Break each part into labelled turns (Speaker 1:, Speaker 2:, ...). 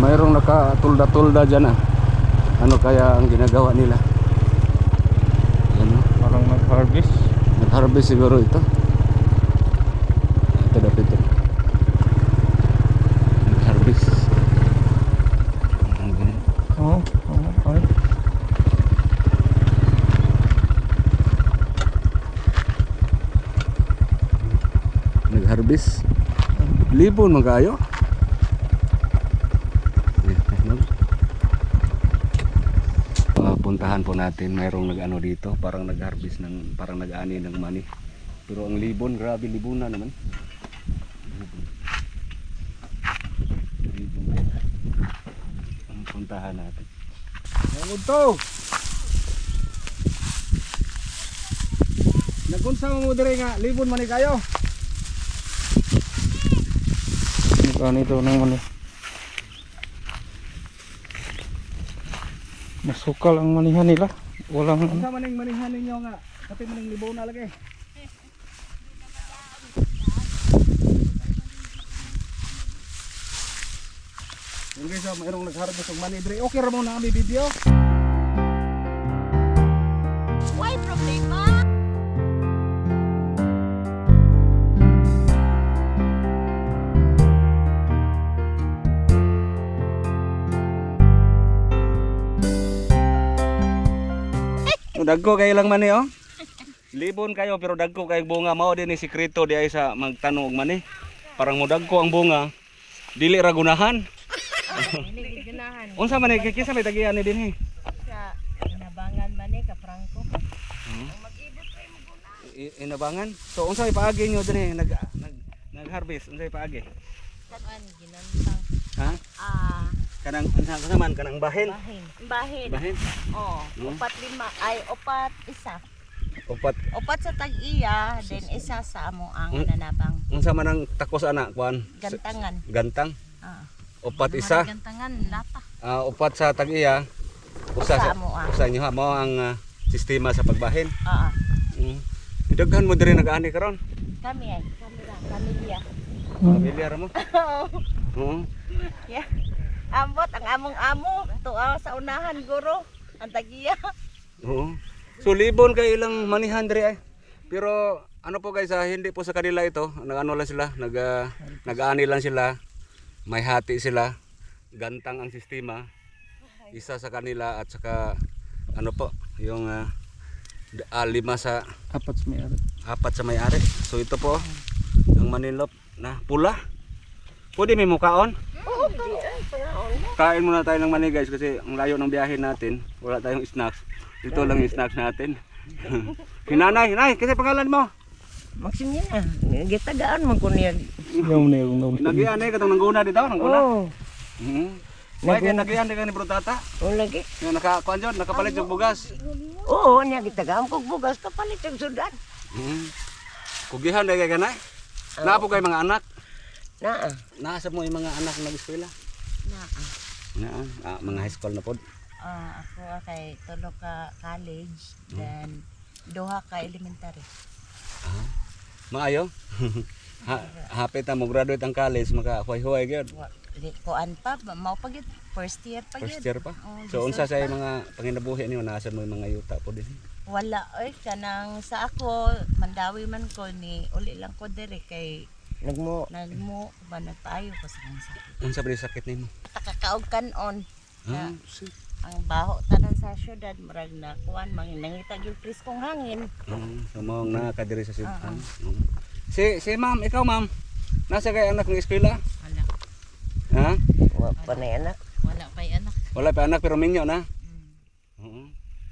Speaker 1: mayroong nakatulda-tulda dyan ah. Ano kaya ang ginagawa nila? Yan, no?
Speaker 2: Parang nag-harvest.
Speaker 1: Nag-harvest siguro ito. Ito dapat ito. Nag-harvest.
Speaker 2: Oo, ay.
Speaker 1: Nag-harvest. Libon magayo. Puntahan po natin, mayroong nag-ano dito, parang nag-harvest ng, parang nag-ani ng mani. Pero ang libon, grabe libuna naman. Libon. Ang puntahan natin. Nangod to! Nagunsa mo dire nga, libon mani kayo.
Speaker 2: Ganito naman eh. Masukal ang manihan nila. Walang
Speaker 1: Kung sa maning manihan ninyo nga, pati maning libaw na lagi. Yung guys, mayroong nag-harvest ng mani dire. Okay ra mo na ang video.
Speaker 3: Why problema?
Speaker 1: Dagko kayo lang mani oh. Libon kayo pero dagko kay bunga mao din ni sikreto di ay sa magtano og mani. Parang mo dagko ang bunga. Dili ra gunahan.
Speaker 3: Dili ganahan.
Speaker 1: Unsa man ni kinsa may tagian ni dinhi?
Speaker 3: Sa inabangan man ka Franco. Mag-ibot kay mo guna.
Speaker 1: Inabangan. So unsa may paagi nyo dinhi nag-harvest unsa may paagi?
Speaker 3: Kan ginantang.
Speaker 1: Ha? Kanang unsa man kanang bahin.
Speaker 3: Bahin.
Speaker 1: Bahin.
Speaker 3: Oh, upat lima ay upat isa.
Speaker 1: Upat.
Speaker 3: Upat sa tag-iya, then isa sa amo ang nanabang.
Speaker 1: Unsa man ang takos ana kuan?
Speaker 3: Gantangan.
Speaker 1: Gantang.
Speaker 3: Ah.
Speaker 1: Upat isa.
Speaker 3: Gantangan lata.
Speaker 1: Upat sa tag-iya. Usa sa
Speaker 3: amo.
Speaker 1: usa nyo ha mao ang sistema sa pagbahin. Daghan mo diri nag-ani karon.
Speaker 3: Kami ay pamilya.
Speaker 1: Pamilyar mo? Oo.
Speaker 3: Yeah. Ambot ang among amo tuwa sa unahan guro ang tagiya.
Speaker 1: Oo. So libon kay ilang manihan diri ay. Pero ano po guys, hindi po sa kanila ito. Nag-ano lang sila, nag-aani lang sila. May hati sila. Gantang ang sistema. Isa sa kanila at saka ano po, yung lima sa apat sa may-ari. So ito po ang manilop na pula. Pwede may mukaon? Kain muna tayo ng mani guys kasi ang layo ng biyahe natin. Wala tayong snacks. Ito lang yung snacks natin. Hinanay, nay, kasi pangalan mo?
Speaker 3: Maksimya na. Gitagaan man ko niya.
Speaker 1: Nagian eh katong nangguna dito, nangguna.
Speaker 3: Oh.
Speaker 1: May nagian di ka ni Brutata?
Speaker 3: O lagi.
Speaker 1: Yung nakakuan dyan, nakapalit yung bugas.
Speaker 3: Oo, niya gitagaan ko bugas kapalit yung sudan.
Speaker 1: Kugihan di ka ganay? Naapo kayo mga anak?
Speaker 3: Naa.
Speaker 1: Nasa mo yung mga anak na nag-eskwela?
Speaker 3: Naa.
Speaker 1: Mga high school na po.
Speaker 3: Ako kay tulo ka college, then duha ka elementary.
Speaker 1: Maayo? Hapit na mo graduate ang college, maka-huay-huay gyud.
Speaker 3: Kuan pa, mao pa gyud first year pa gyud.
Speaker 1: First year pa? So unsa sa mga panginabuhi niyo nasa mo yung mga yuta po din?
Speaker 3: Wala oy kanang sa ako mandawi man ko ni uli lang ko dire kay nagmo ba nagpaayo ko sa sakit.
Speaker 1: Unsa ba yung sakit nimo?
Speaker 3: Takakaog kanon. Ang baho tanan sa syudad murag na kuan mangita gyud priskong hangin.
Speaker 1: So mo nakadiri sa syudad. Si ma'am, ikaw ma'am. Nasa kay anak ng eskwela?
Speaker 3: Wala.
Speaker 1: Ha?
Speaker 3: Wala pa na anak. Wala pa anak.
Speaker 1: Wala pa anak pero minyo na. Oo.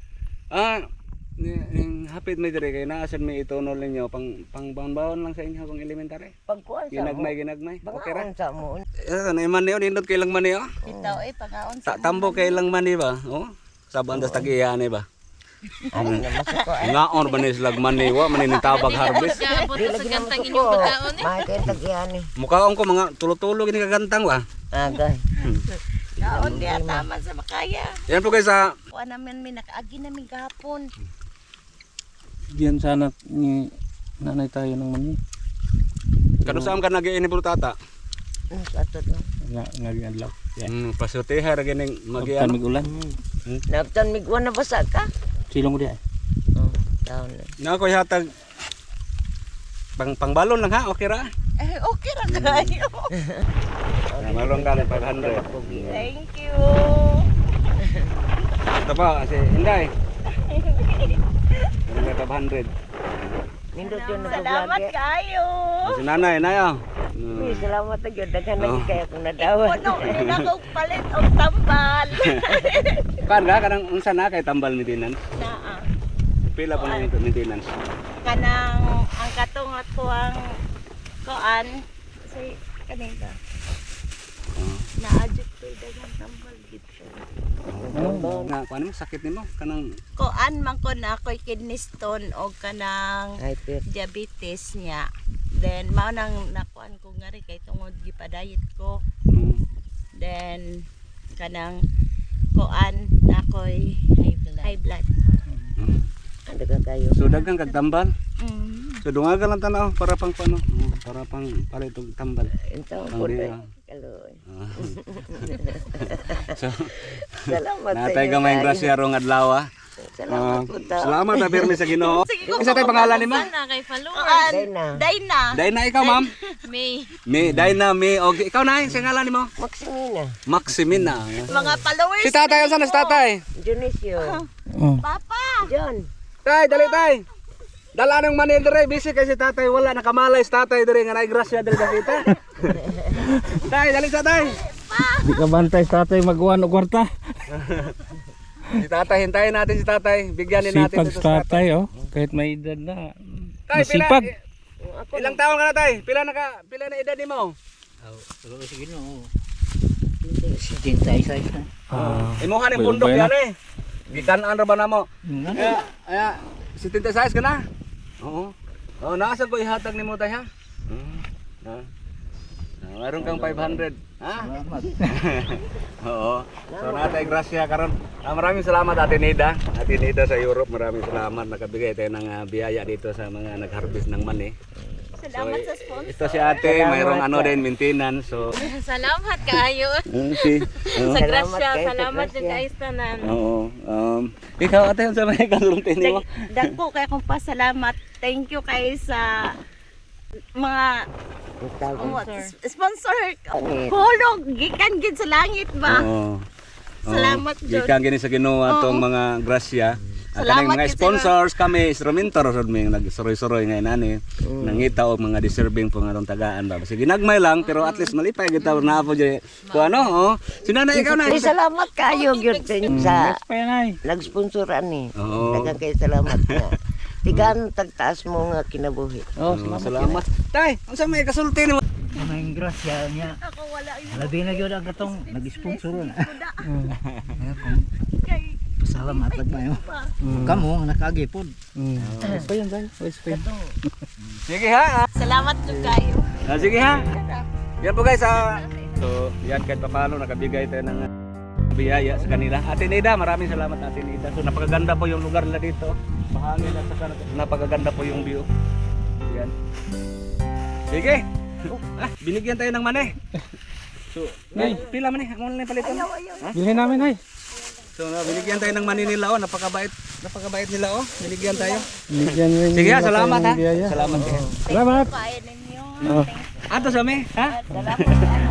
Speaker 1: Hapit may dire kay naasan may itunol ninyo pang baon lang sa inyo kung elementary.
Speaker 3: Pagkuan sa
Speaker 1: Ginagmay. Okay ra.
Speaker 3: sa mo.
Speaker 1: Ano man niyo nindot kay lang man niyo?
Speaker 3: Bitaw ay pagaon sa.
Speaker 1: Tambo kay lang man ni ba? Oh. Saban das tagiyan ni ba?
Speaker 3: Ano na masuko ay.
Speaker 1: Ngaon ba ni slagman ni wa man ni tabag harvest.
Speaker 3: Di lagi sa gantang inyong pagkaon eh. May kay tagian ni.
Speaker 1: Mukhaon ko mga tulo-tulo gini kagantang ba?
Speaker 3: Agay. Kaon di tama sa makaya.
Speaker 1: Yan po guys sa
Speaker 3: Kuan namin mi nakaagi namin gahapon.
Speaker 2: Diyan sana ni nanay tayo ng mani.
Speaker 1: kanusam ka nag-iini Brutata.
Speaker 3: Sa to.
Speaker 2: Ngaging adlaw. Yeah.
Speaker 1: Pasutiha ra gining
Speaker 2: Magyan
Speaker 1: magiano.
Speaker 2: mig-ulan.
Speaker 3: Naptan migwan na basa ka?
Speaker 2: Silong ko di ay.
Speaker 3: Oh, taon na.
Speaker 1: Na ko hatag pangbalon lang ha, okay ra?
Speaker 3: Okay ra kayo.
Speaker 1: Malong ka ng 500.
Speaker 3: Thank you.
Speaker 1: Ito pa, si Inday. May 500.
Speaker 3: Nindot yun na salamat kayo.
Speaker 1: Si Nanay, Nayo.
Speaker 3: Uy, salamat na yun. Daghan lagi
Speaker 1: Oh.
Speaker 3: kaya kung nadawan. Puno, rin ako palit o tambal.
Speaker 1: Kan ka kanang unsa na kay tambal maintenance?
Speaker 3: Naa.
Speaker 1: Pila po na yung maintenance?
Speaker 3: Kanang ang katong ato ang koan. Kasi kanina. Naadjust ko dagang tambal dito.
Speaker 1: Na paano mo sakit nimo kanang
Speaker 3: Koan man ko na ako'y kidney stone o kanang diabetes niya. Then mao nang nakuan ko nga rin kay tungod gipadayet ko. Then kanang koan na ako'y high blood. Ano ka kayo?
Speaker 1: so daghang kag tambal.
Speaker 3: Mm.
Speaker 1: So dungagan lang tanaw para pang pano, para pang palit og tambal.
Speaker 3: Ito
Speaker 1: Ang
Speaker 3: po
Speaker 1: di-
Speaker 3: na. Kaloy.
Speaker 1: So
Speaker 3: Salamat sa
Speaker 1: natay
Speaker 3: inyo,
Speaker 1: gamay
Speaker 3: guys.
Speaker 1: grasya rong adlaw.
Speaker 3: Salamat po ta.
Speaker 1: Salamat na pirmi sa Ginoo. Isa tay pangalan nimo?
Speaker 4: Kay followers.
Speaker 3: Dayna. Dayna.
Speaker 1: Dayna ikaw ma'am.
Speaker 4: May
Speaker 1: Dayna me og ikaw na sa ngalan nimo?
Speaker 3: Maximina.
Speaker 1: Maximina.
Speaker 3: Mga followers.
Speaker 1: Si tatay unsa na si tatay?
Speaker 3: Dionisio.
Speaker 2: Oh.
Speaker 3: Papa. John.
Speaker 1: Tay, dali tay. Dala nang manil dire busy kay si tatay wala nakamalay si tatay dire nga nay grasya dali kita. Tay, dali sa tay.
Speaker 2: Di ka bantay sa tatay magwan og kwarta.
Speaker 1: Si tatay hintayin natin si tatay. Bigyan din natin
Speaker 2: Sipag
Speaker 1: ito
Speaker 2: sa tatay oh. Kahit may edad na.
Speaker 1: Tay,
Speaker 2: Masipag.
Speaker 1: Ilang taon ka na tay? Pila na edad nimo? Imuhan yung bundok
Speaker 2: Bayana.
Speaker 1: yan eh. Gikan-an ra ba namo? Aya, 76 ka na? Oo. Oh, nasa ko ihatag nimo tay ha? Ha. Meron kang 500. Ha? Oo. So natay grasya karon. Maraming salamat Ate Nida. Ate Nida sa Europe, maraming salamat nakabigay tayo ng biyaya dito sa mga nag-harvest ng mani.
Speaker 3: Salamat sa sponsor.
Speaker 1: Ito si Ate, mayroong ano din maintenance. So
Speaker 4: salamat kaayo.
Speaker 1: si
Speaker 4: Sa grasya,
Speaker 3: kayo, sa
Speaker 4: salamat
Speaker 3: grasya.
Speaker 4: jud kay tanan.
Speaker 1: Oo. Ikaw ate, sa may kalulungtin nimo.
Speaker 3: Dagko kay akong pasalamat. Thank you kay sa mga sponsor. Hulog gikan gid sa langit ba?
Speaker 1: Oo.
Speaker 3: Salamat, Jud.
Speaker 1: Gikan gini sa Ginoo atong mga grasya. At kaning
Speaker 3: Salamat
Speaker 1: mga
Speaker 3: gid sa
Speaker 1: sponsors kami, instrumentor rod may nagsuroy-suroy nga inani. Nangita og mga deserving po nga atong tagaan ba. Sige nagmay lang pero at least malipay kita na po jay. Ko ano, Sinana ikaw na.
Speaker 3: Salamat kayo gyud sa
Speaker 2: Payanay.
Speaker 3: nag-sponsoran ni.
Speaker 1: Oo.
Speaker 3: Daghang kay salamat nga. Tigan tagtaas mo nga kinabuhi.
Speaker 2: Oh,
Speaker 1: Salamat. Tay, unsa may kasulti nimo?
Speaker 5: Ang grasya niya.
Speaker 3: Ako wala
Speaker 5: Labi na gyud ang katong nag-sponsor na.
Speaker 3: kay
Speaker 5: Pasalamat lang mayo. Kamo nga nakagipod.
Speaker 2: Pa yan tayo.
Speaker 1: Sige ha.
Speaker 3: salamat jud kayo.
Speaker 1: Sige ha. Yan po guys. So, yan kahit paano nakabigay tayo ng biyaya sa kanila. Ate Nida, maraming salamat Ate Nida. So, napakaganda po yung lugar nila dito. Mahangin at saka napakaganda po yung view. Yan. Sige. Binigyan tayo ng mani. So, pila mani? Amo na yung palitan.
Speaker 2: Bilhin namin ay.
Speaker 1: So, binigyan tayo ng mani nila. Napakabait. Napakabait nila. Binigyan tayo.
Speaker 2: Bigyan rin
Speaker 1: Sige ha,
Speaker 2: nila
Speaker 1: salamat
Speaker 2: tayo
Speaker 1: ha.
Speaker 2: ng biyaya.
Speaker 1: Salamat.
Speaker 2: Salamat.
Speaker 3: Kain ninyo.
Speaker 2: Oh.
Speaker 1: Ato sa me, ha?
Speaker 3: Salamat.